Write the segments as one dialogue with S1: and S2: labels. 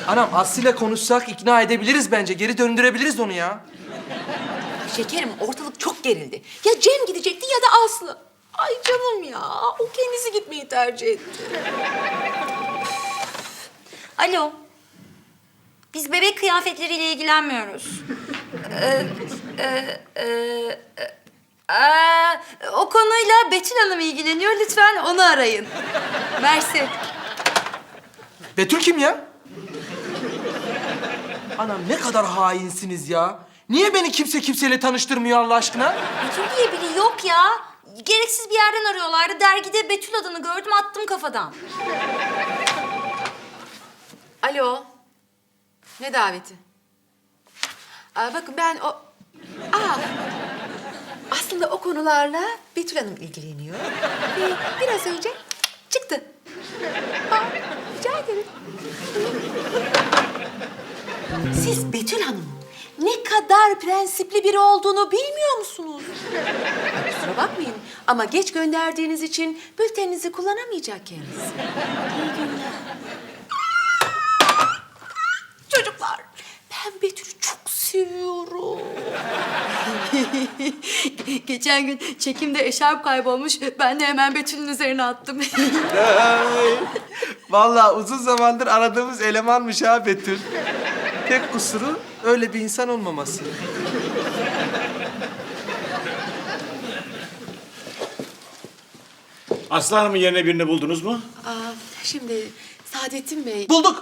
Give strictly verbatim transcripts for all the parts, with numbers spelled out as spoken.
S1: Anam Aslı'yla konuşsak ikna edebiliriz bence. Geri döndürebiliriz onu ya.
S2: Şekerim, ortalık çok gerildi. Ya Cem gidecekti ya da Aslı. Ay canım ya, o kendisi gitmeyi tercih etti.
S3: Alo. Biz bebek kıyafetleriyle ilgilenmiyoruz. ee, e, e, e, aa, o konuyla Betül Hanım ilgileniyor. Lütfen onu arayın. Mersi.
S1: Betül kim ya? Anam ne kadar hainsiniz ya. Niye beni kimse kimseyle tanıştırmıyor Allah aşkına?
S3: Betül diye biri yok ya. Gereksiz bir yerden arıyorlardı. Dergide Betül adını gördüm, attım kafadan.
S2: Alo. Ne daveti? Aa, bakın ben o... Aa, aslında o konularla Betül Hanım ilgileniyor. Ve biraz önce çıktı. Aa, rica ederim. Siz Betül Hanım ne kadar prensipli biri olduğunu bilmiyor musunuz? Ay, kusura bakmayın ama geç gönderdiğiniz için bülteninizi kullanamayacak kendisi. İyi günler. Çocuklar, ben Betül'ü çok seviyorum.
S3: Geçen gün çekimde eşarp kaybolmuş. Ben de hemen Betül'ün üzerine attım.
S1: Vallahi uzun zamandır aradığımız elemanmış ha Betül. Tek kusuru öyle bir insan olmaması.
S4: Aslı Hanım'ın yerine birini buldunuz mu?
S2: Aa, şimdi Saadettin Bey...
S1: Bulduk.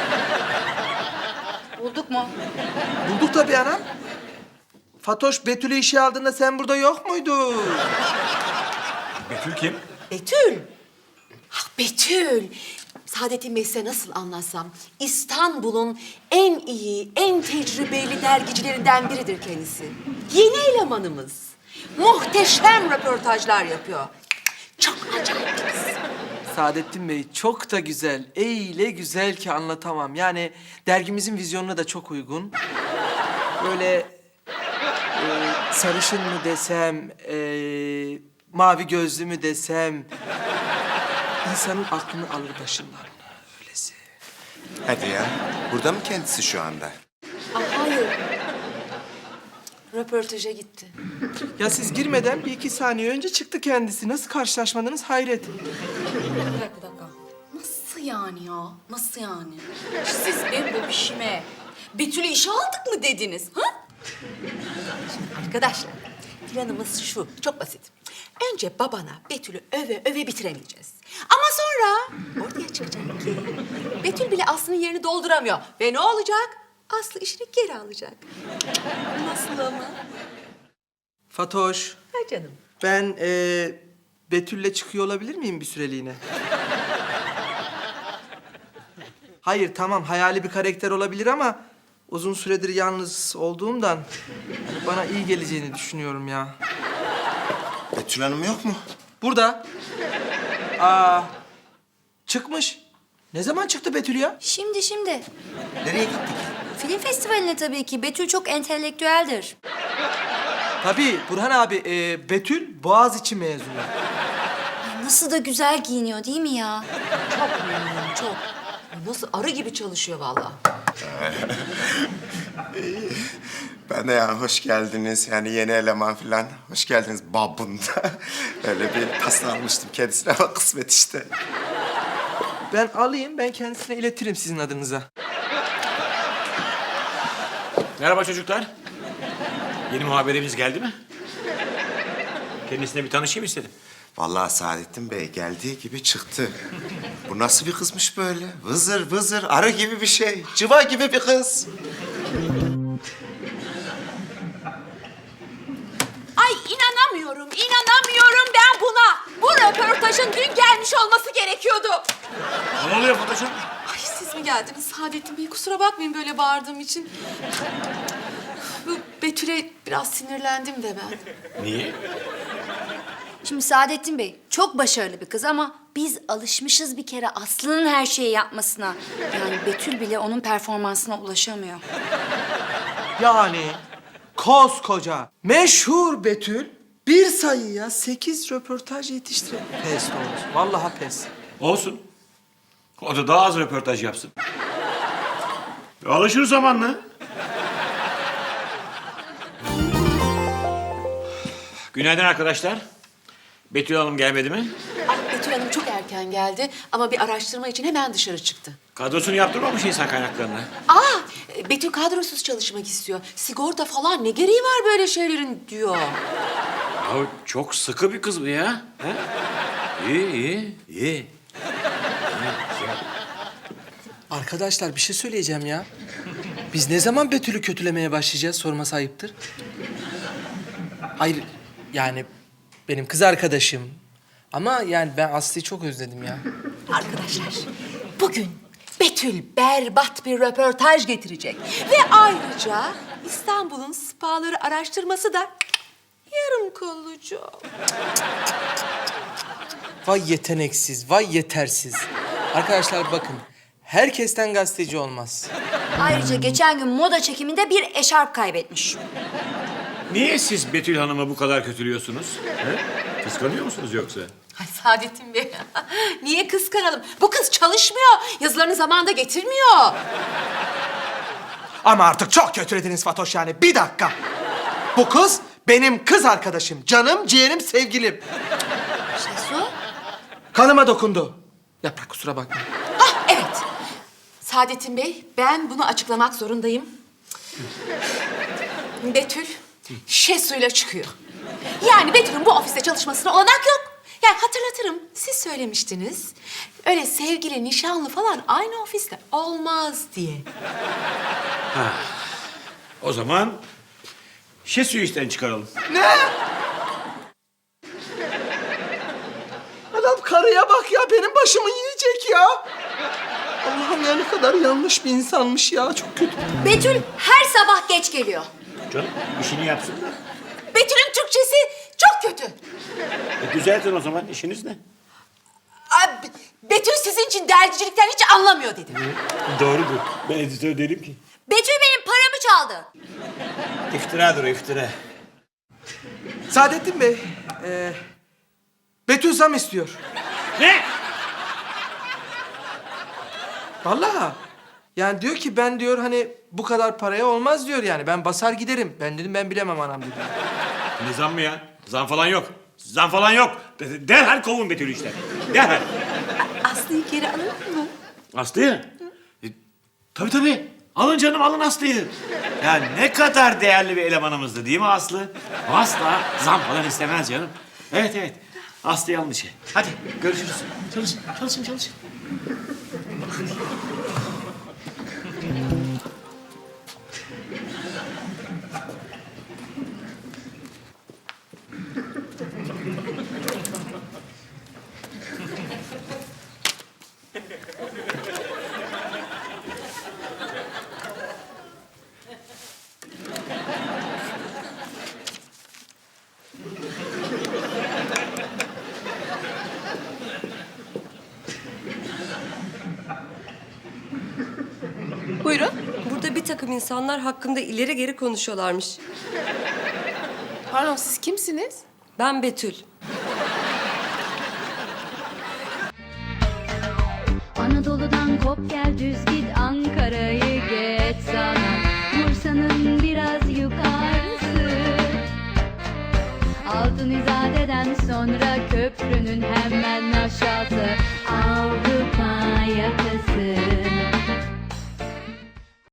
S3: Bulduk mu?
S1: Bulduk tabii anam. Fatoş Betül'ü işe aldığında sen burada yok muydun?
S4: Betül kim?
S2: Betül! Ah Betül! Saadettin Bey size nasıl anlatsam, İstanbul'un en iyi, en tecrübeli dergicilerinden biridir kendisi. Yeni elemanımız. Muhteşem röportajlar yapıyor. Çok acayip bir kız.
S1: Saadettin Bey çok da güzel. Öyle güzel ki anlatamam. Yani dergimizin vizyonuna da çok uygun. Böyle e, sarışın mı desem, e, mavi gözlü mü desem... insanın aklını alır başından. Öylesi.
S5: Hadi ya. Burada mı kendisi şu anda?
S2: Ah, hayır. Röportaja gitti.
S1: Ya siz girmeden bir iki saniye önce çıktı kendisi. Nasıl karşılaşmadınız hayret.
S3: Bir dakika, bir dakika. Nasıl yani ya? Nasıl yani? Siz benim bu işime Betül'ü işe aldık mı dediniz? Ha?
S2: Arkadaşlar, planımız şu, çok basit. Önce babana Betül'ü öve öve bitiremeyeceğiz. Ama sonra ortaya çıkacak ki Betül bile Aslı'nın yerini dolduramıyor. Ve ne olacak? Aslı işini geri alacak. Nasıl ama?
S1: Fatoş,
S2: Ha canım.
S1: ben e, Betül'le çıkıyor olabilir miyim bir süreliğine? Hayır, tamam hayali bir karakter olabilir ama... uzun süredir yalnız olduğumdan bana iyi geleceğini düşünüyorum ya.
S5: Betül Hanım yok mu?
S1: Burada. Aa, çıkmış. Ne zaman çıktı Betül ya?
S3: Şimdi, şimdi.
S5: Nereye gittik?
S3: Film festivaline tabii ki. Betül çok entelektüeldir.
S1: Tabii Burhan abi, e, Betül Boğaziçi mezunu.
S3: Nasıl da güzel giyiniyor değil mi ya?
S2: Çok memnunum, çok. Nasıl arı gibi çalışıyor vallahi.
S5: Ben de ya hoş geldiniz. Yani yeni eleman falan. Hoş geldiniz babında. Öyle bir pasta almıştım kendisine ama kısmet işte.
S1: Ben alayım, ben kendisine iletirim sizin adınıza.
S4: Merhaba çocuklar. Yeni muhabirimiz geldi mi? Kendisine bir tanışayım istedim.
S5: Vallahi Saadettin Bey geldiği gibi çıktı. Bu nasıl bir kızmış böyle? Vızır vızır, arı gibi bir şey. Cıva gibi bir kız.
S2: Ay inanamıyorum, inanamıyorum ben buna. Bu röportajın dün gelmiş olması gerekiyordu.
S4: Ne oluyor Fatoş'um?
S2: Ay siz mi geldiniz Saadettin Bey? Kusura bakmayın böyle bağırdığım için. Bu Betül'e biraz sinirlendim de ben.
S4: Niye?
S3: Şimdi Saadettin Bey çok başarılı bir kız ama biz alışmışız bir kere Aslı'nın her şeyi yapmasına. Yani Betül bile onun performansına ulaşamıyor.
S1: Yani koskoca meşhur Betül bir sayıya sekiz röportaj yetiştirdi. Pes doğrusu. Vallahi pes.
S4: Olsun. O da daha az röportaj yapsın. Alışır zamanla. Günaydın arkadaşlar. Betül Hanım gelmedi mi?
S2: Ah, Betül Hanım çok erken geldi ama bir araştırma için hemen dışarı çıktı.
S4: Kadrosunu yaptırmamış insan kaynaklarına.
S2: Aa, Betül kadrosuz çalışmak istiyor. Sigorta falan ne gereği var böyle şeylerin diyor.
S4: Ya çok sıkı bir kız bu ya. Ha? İyi, iyi, iyi.
S1: Arkadaşlar bir şey söyleyeceğim ya. Biz ne zaman Betül'ü kötülemeye başlayacağız sorması ayıptır. Hayır yani benim kız arkadaşım. Ama yani ben Aslı'yı çok özledim ya.
S2: Arkadaşlar, bugün Betül berbat bir röportaj getirecek. Ve ayrıca İstanbul'un spaları araştırması da yarım kollucu.
S1: Vay yeteneksiz, vay yetersiz. Arkadaşlar bakın, herkesten gazeteci olmaz.
S3: Ayrıca geçen gün moda çekiminde bir eşarp kaybetmiş.
S4: Niye siz Betül Hanım'ı bu kadar kötülüyorsunuz? He? Kıskanıyor musunuz yoksa?
S2: Ay Saadettin Bey, niye kıskanalım? Bu kız çalışmıyor, yazılarını zamanında getirmiyor.
S1: Ama artık çok kötülediniz Fatoş yani. Bir dakika. Bu kız benim kız arkadaşım. Canım, ciğerim, sevgilim.
S2: Şesu?
S1: Kanıma dokundu. Yaprak kusura bakma.
S2: Ah evet. Saadettin Bey, ben bunu açıklamak zorundayım. Betül, Şesu'yla çıkıyor. Yani Betül'ün bu ofiste çalışmasına olanak yok. Yani hatırlatırım, siz söylemiştiniz. Öyle sevgili, nişanlı falan aynı ofiste olmaz diye.
S4: O zaman Şesu'yu işten çıkaralım.
S1: Adam karıya bak ya, benim başımı yiyecek ya. Allah'ım ya ne kadar yanlış bir insanmış ya, çok kötü.
S3: Betül her sabah geç geliyor.
S4: Canım işini yapsın da.
S2: Betül'ün Türkçesi çok kötü.
S4: E, düzeltin o zaman, işiniz ne?
S2: Ay, Be- Betül sizin için dergicilikten hiç anlamıyor dedim.
S4: Doğrudur. Ben editör değilim ki.
S3: Betül benim paramı çaldı.
S4: İftiradır o, iftira.
S1: Saadettin Bey, e, Betül zam istiyor.
S4: Ne?
S1: Vallahi. Yani diyor ki ben diyor hani bu kadar paraya olmaz diyor yani. Ben basar giderim. Ben dedim ben bilemem anam dedim.
S4: Ne zam mı ya? Zam falan yok. Zam falan yok. De- Derhal kovun Betül'ü işten. Derhal.
S2: Aslı'yı geri alalım mı?
S4: Aslı'yı? E, tabii tabii. Alın canım, alın Aslı'yı. Ya ne kadar değerli bir elemanımızdı değil mi Aslı? Asla zam falan istemez canım. Evet evet. Aslı'yı alın işe. Hadi görüşürüz. Çalışın, çalışın, çalışın.
S6: Buyurun. Burada bir takım insanlar hakkında ileri geri konuşuyorlarmış.
S2: Pardon, siz kimsiniz?
S6: Ben Betül.
S7: Anadolu'dan kop gel düz git Ankara'yı geç sana Bursa'nın biraz yukarısı Altın İzade'den sonra köprünün hemen aşağısı